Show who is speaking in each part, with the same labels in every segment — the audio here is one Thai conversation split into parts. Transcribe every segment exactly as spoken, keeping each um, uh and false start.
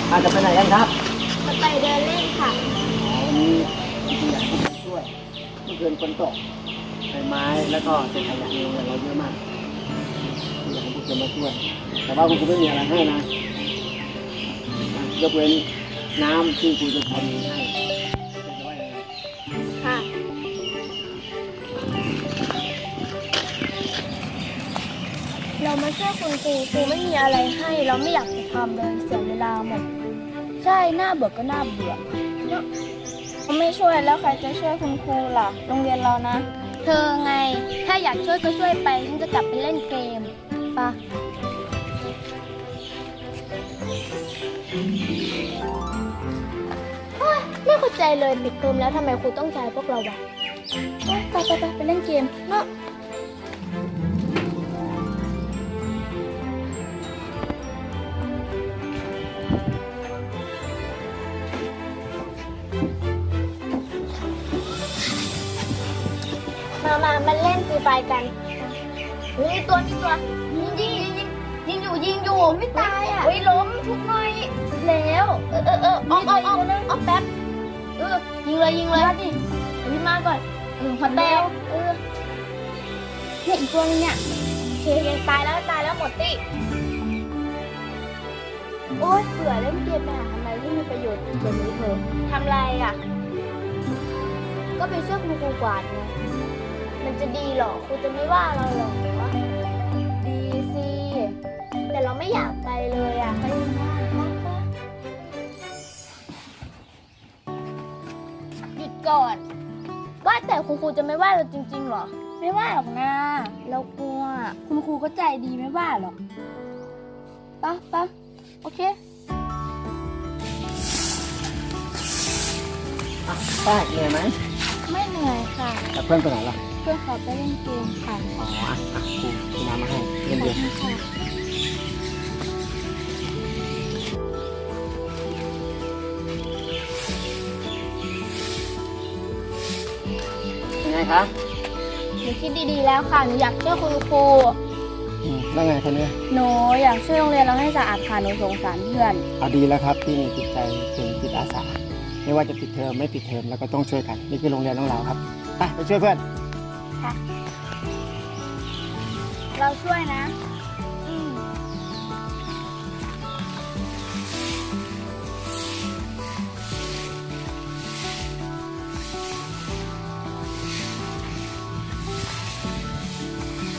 Speaker 1: อาจจะไปไหนกันครับ
Speaker 2: จะไปเดินเล่นค่ะ
Speaker 1: อ๋อวันนี้จริงๆอยากให้คุณช่วยเมื่อคืนฝนตกใบไม้แล้วก็เศษขยะในโรงเรียนเราเยอะมากอยากให้คุณจะมาช่วยแต่ว่าคุณครูไม่มีอะไรให้นะยกเว้นน้ำที่คุณจะทำให้จะว่ายังไง
Speaker 2: ค่ะเรามาช่วยคุณครูครูไม่มีอะไรให้เราไม่อยากจะทำเลยเสียเวลาหมดใช่หน้าเบื่อก็หน้าเบื่อเนาะไม่ช่วยแล้วใครจะช่วยคุณครูล่ะโรงเรียนเรานะเธอไงถ้าอยากช่วยก็ช่วยไปฉันจะกลับไปเล่นเกมปะไม่เข้าใจเลยปิดเทอมแล้วทำไมครูต้องใจพวกเราวะไปไปไปไปเล่นเกมเนาะมามามาเล่นฟรีไฟกันมีตัวมีตัวยิงยิงยิงยิงอยู่ยิงอยู่ไม่ตายอ่ะเฮ้ยล้มทุกหน่อยแล้วเออเออเออออกออกออกออกแป๊บเออยิงเลยยิงเลยดิพี่มาก่อนเออหัวแตกเออเนี่ยอีกตัวนึงเนี่ยเคเกตายแล้วตายแล้วหมดติโอ๊ยเบื่อเล่นเกมไปหาทำอะไรที่มีประโยชน์กว่านี้เถอะทำไรอ่ะก็ไปช่วยคุณครูกวาดไงมันจะดีหรอครูจะไม่ว่าเราหรอดีสิแต่เราไม่อยากไปเลยอ่ะไปนะหยุดก่อนว่าแต่คุณครูจะไม่ว่าเราจริงๆหรอไม่ว่าหรอกนะเรากลัวคุณครูก็ใจดีไม่ว่าหรอกปะปะโอเค
Speaker 1: อ่ะป้าเหนื่อยไหม
Speaker 2: ไม่เหนื่อยค่ะ
Speaker 1: แต่เพื่อนไปไหนล่ะ
Speaker 2: เพื่อนเขาไปเล่นเกมค่ะ
Speaker 1: อ๋ออ่ะอ่ะครูครูน้ำมาให้เย็นเย็นยังไงคะ
Speaker 2: หนูคิดดีๆแล้วค่ะหนูอยากช่วยคุณครู
Speaker 1: อืมได้ไงคนนี้
Speaker 2: หนูอยากช่วยโรงเรียนเราให้สะอาดค่ะหนูสงสารเพื่อน
Speaker 1: เอาดีแล้วครับที่มีจิตใจเป็นจิตอาสาไม่ว่าจะปิดเทอมไม่ปิดเทอมแล้วก็ต้องช่วยกันนี่คือโรงเรียนของเราครับไปไปช่วยเพื่อน
Speaker 2: ค่ะเราช่วยนะอืม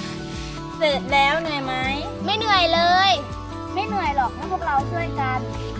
Speaker 2: เสร็จแล้วเหนื่อยไหมไม่เหนื่อยเลยไม่เหนื่อยหรอกถ้าพวกเราช่วยกัน